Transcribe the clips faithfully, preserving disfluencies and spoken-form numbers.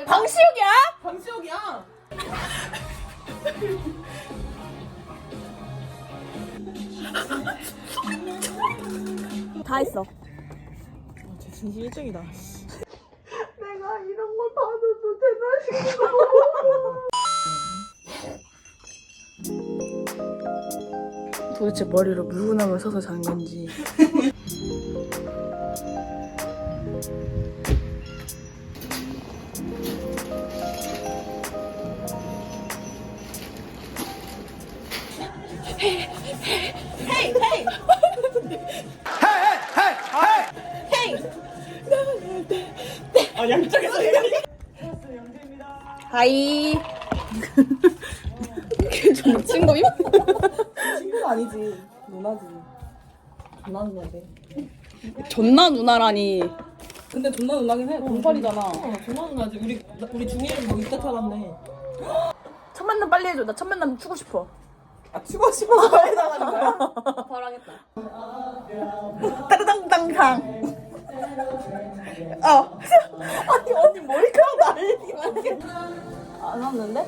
방시혁이야? 방시혁이야. 다 했어. 쟤 진심 일정이다. 내가 이런 걸 받아도 되나 싶어. 도대체 머리로 물구나무를 서서 자는 건지. 헤이 헤이 헤이 아 양쪽에서 얘기하니까. 하이. 걔좀 미친 거임? 친구는 아니지. 누나지. 누나 누나인데. 존나 누나라니. 근데 존나 누나긴 해. 동팔이잖아. 어, 존나 누나지. 우리 나- 우리 중일이 뭐 이때 살았네. 첫 만남 빨리 해줘. 나 첫 만남 추고 싶어. 아 치고 싶어서 빨리 나가는 거야? 바로 하겠다. 따르당당당. 어. 아니 언니 머리카락 날리기만 해. 안 왔는데?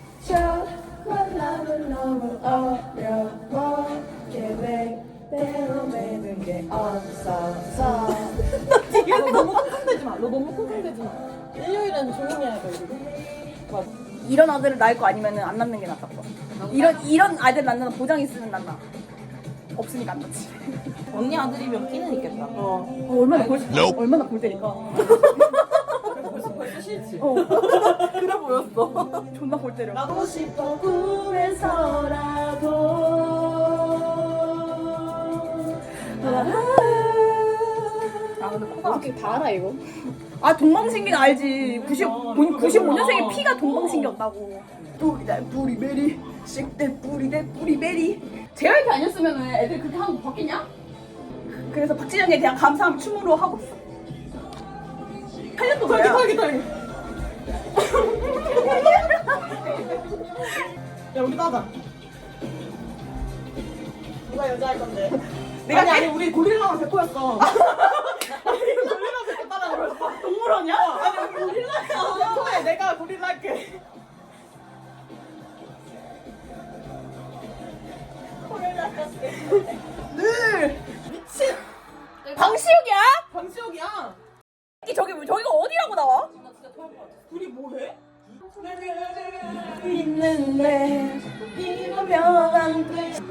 만남은 너무 어려워. 계획대로 되는 게 없어서. 너 너무 끙끙대지 마. 너 너무 끙끙대지 마. 일요일은 조용히 해야 돼. 우리. 맞아. 이런 아들을 낳을 거 아니면은 안 낳는 게 낫다. 이런 이런 아들 낳는 보장 있으면 낫나. 없으니까 안 낳지. 언니 아들이면 끼는 있겠다. 어. 어 얼마나 골 얼마나 골 때릴까. 벌써 벌써 싫지. 어. 그래 보였어. 존나 골 때려. 나도 싶어. 아 근데 코가 어떻게 다 알아 이거? 아 동방신기는 알지. 구십오 년생의 피가 동방신기였다고. 뿌리다 뿌리베리 씩대 뿌리대 뿌리베리. 제이와이피 아니었으면 애들 그렇게 하는 거 봤겠냐? 그래서 박진영에 대한 감사함 춤으로 하고 있어. 팔 년도 탈기 뭐야? 탈기 탈기. 야 우리 따자. 누가 여자 할 건데? 내가 아니 해? 아니 우리 고릴라랑 백호였어. 아니 고릴라 백호 따라 그랬어. 동물원이야? 아니 우리 고릴라야. 백호야 내가 고릴라 할게. 늘 미친. 방시혁이야? 방시혁이야. 이 저기 저기가 어디라고 나와? 둘이 뭐해? 있는데 이러면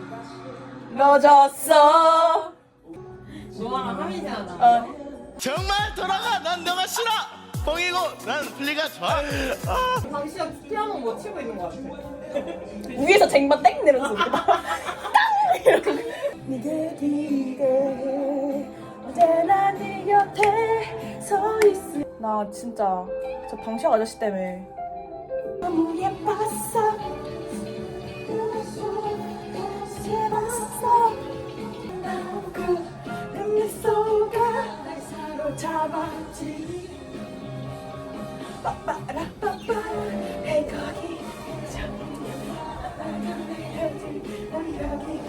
늦었어. 너랑 하민이잖아. 어. 정말 돌아가. 난 너가 싫어. 뻥이고 난 플리가 좋아. 아. 방시혁 피아노 뭐 치고 있는 거 같아. 위에서 쟁반 땡 내렸어. 땅 이렇게. 네게 네게 언제나 네 곁에 서 있어. 나 진짜 저 방시혁 아저씨 때문에 너무 예뻤어. 예뻤어. 그 미소가 날 사로잡았지. 빠빠라빠빠 해 거기 우리 여기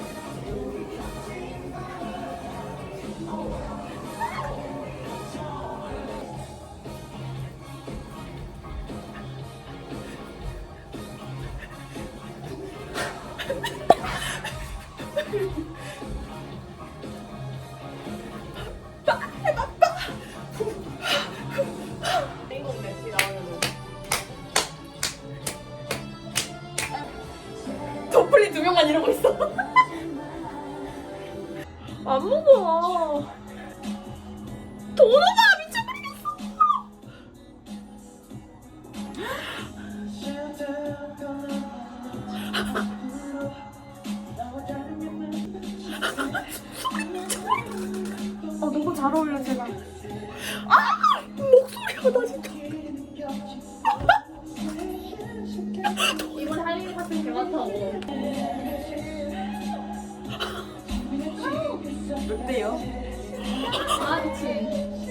도플리 두 명만 이러고 있어. 안 먹어. 도로가 미쳐버리겠어. 아 너무 잘 어울려 제가. 아 목소리가 나 진짜. 이번에 할 일 같은 게 많다고. 어때요? 아, 그치.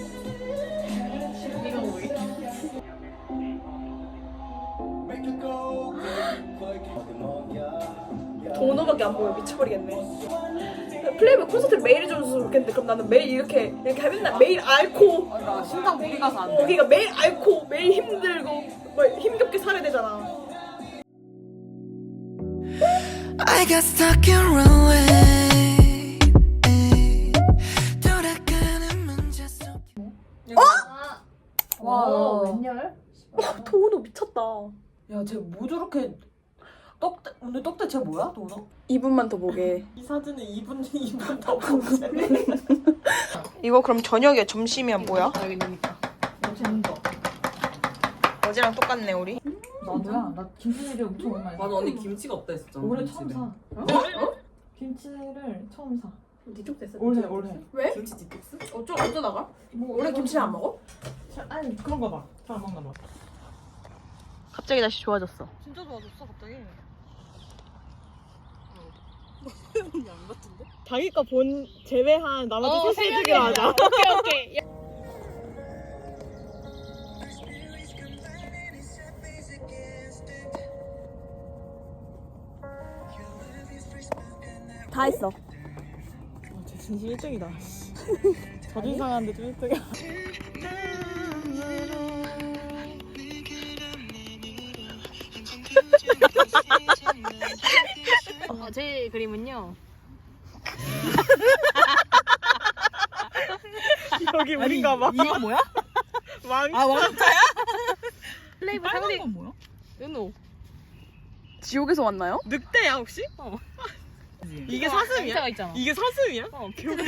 이거 뭐야? 번호밖에 안 보여. 미쳐버리겠네. 플레이보이 콘서트를 매일 해줬으면 좋겠는데 그럼 나는 매일 이렇게 이렇게 맨날 매일 앓고 나 심장 무리 가서 안 어, 돼. 그러니까 매일 앓고 매일 힘들고 뭐 힘겹게 살아야 되잖아. I got stuck in runway. 돌아가는 문제 속. 와. 웬열? 도훈호 미쳤다. 야, 쟤 뭐 저렇게 떡대 오늘 떡대체 뭐야, 도너? 이 분만 더 보게. 이 사진에 이분 이분 더 보세. 이거 그럼 저녁에 점심이야 뭐야? 여기 있으니까. 재는 거. 어제랑 똑같네 우리. 나도야. 나 김치를 엄청 오랜만에. 맞아 언니 김치가 없다 했었잖아. 올해 김치집에. 처음 사. 어? 김치를 처음 사. 니쪽 됐어. 올해 올해. 왜? 김치 디톡스? 어쩌 어쩌다가? 뭐 원래 김치를 안 먹어? 잘- 아니 그런가 봐. 잘 안 먹나 봐. 갑자기 다시 좋아졌어. 진짜 좋아졌어 갑자기. 자기 거 본 제외한 나머지 셋이 해주기로 하자. 오케이 오케이. 다 했어. 쟤 진심 일 등이다. 자존심 상한데 좀 일 등이야. 어, 제 그림은요. 여기 우린가 봐. 이거 뭐야? 왕. 아 왕자야? 플레이브 상대 건 뭐야? 은호. 지옥에서 왔나요? 늑대야 혹시? 어. 이게 사슴이야? 상자가 있잖아. 이게 사슴이야? 어.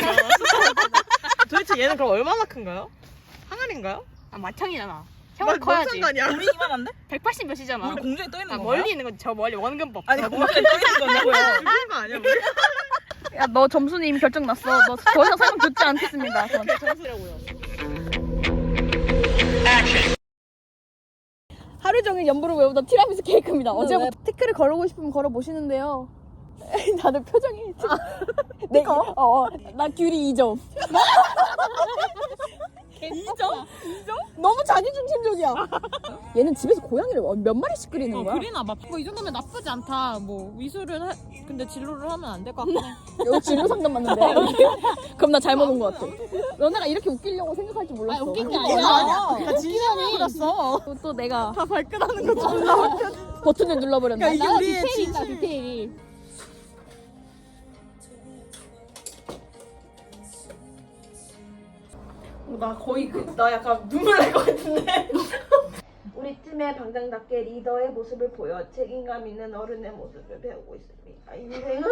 도대체 얘는 그럼 얼마나 큰가요? 항아리인가요? 아 마창이잖아. 막 형은 커야지. 상관이야? 우리 이만한데? 백팔십 몇이잖아. 우리 공중에 떠 있는 아, 거 멀리 있는 건 저 멀리 원근법. 아니 공중에 떠 있는 거냐고요? 죽은 거 아니야 우리? 야, 너 점수는 이미 결정 났어. 너 더 이상 설명 듣지 않겠습니다. 전. 점수라고요. 하루 종일 연보를 외우던 티라미수 케이크입니다. 어제부터 태클을 걸어보고 싶으면 걸어보시는데요. 다들 표정이 지금 네, 어, 어, 나 귤이 이 점. 이 점? 이 점? 너무 자기중심적이야. 얘는 집에서 고양이를 몇 마리씩 그리는 거야? 그리나 봐. 뭐 이 정도면 나쁘지 않다. 뭐 미술을 해, 근데 진로를 하면 안 될 것 같긴 해. 여기 진로 상담 맞는데. 그럼 나 잘못 온 것 같아. 너네가 이렇게 웃기려고 생각할 줄 몰랐어. 웃긴 게 아니야. 다 진심으로 그렸어. 또, 또 내가 다 발끈하는 거 존나 웃겨. 버튼을 눌러버렸네. 이게 우리의 디테일이 있다, 진심. 디테일이. 어, 나 거의 그, 나 약간 눈물 날 것 같은데. 우리 팀의 방장답게 리더의 모습을 보여 책임감 있는 어른의 모습을 배우고 있습니다. 인생은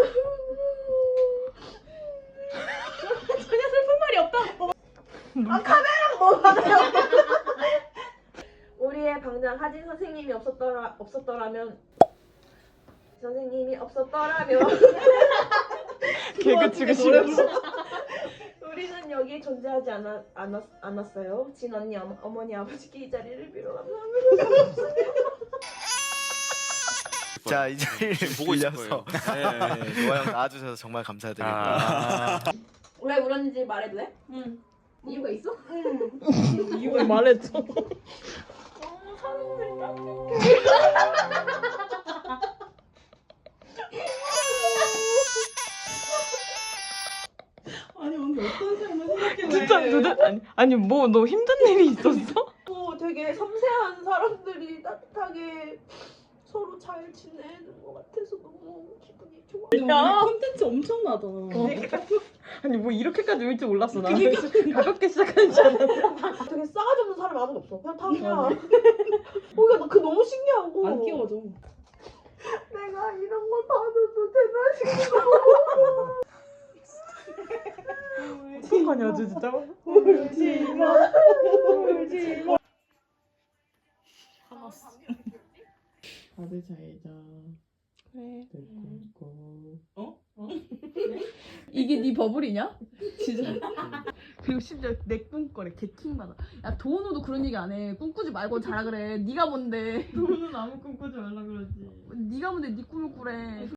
전혀 슬픈 말이 없다고. 아 카메라가 너무 많아요. 우리의 방장 하진 선생님이 없었더라 없었더라면 선생님이 없었더라면 개그 치고 싶어. 우리는 여기 존재하지 않았, 않았, 않았어요. 진 언니, 어머, 어머니, 아버지께 이 자리를 빌어 감사합니다. 자, 이 자리를 보고 있을 빌려서 거예요. 네, 노아 형 나와주셔서 정말 감사드립니다. 왜 울었는지 말해도 돼? 응. 이유가 있어? 이걸 말했죠. 너무 사람들이 아니 언니 어떤 삶을 생각해? 진짜 누드 아니 아니 뭐 너 힘든 일이 있었어? 어, 되게 섬세한 사람들이 따뜻하게 서로 잘 지내는 것 같아서 너무 기분이 좋아. 야. 콘텐츠 엄청나다. 아니 뭐 이렇게까지 울 줄 몰랐어 나. 가볍게 시작하는 줄 알았어. 되게 싸가지 없는 사람이 아무도 없어. 그냥 다 그냥. 어, 그러니까 그 너무 신기하고. 안 끼워줘. 내가 이런 걸 받아도 되나 싶어. 어떡하냐 아주 진짜. 울지 마. 울지 마. 다들 잘 자. 그래. 어? 어? 이게 네 버블이냐? 진짜. 그리고 심지어 내 꿈꿔래. 개킹받아. 야 도은호도 그런 얘기 안 해. 꿈꾸지 말고 자라 그래. 네가 뭔데? 너는 아무 꿈꾸지 말라 그러지. 네가 뭔데 네 꿈을 꾸래.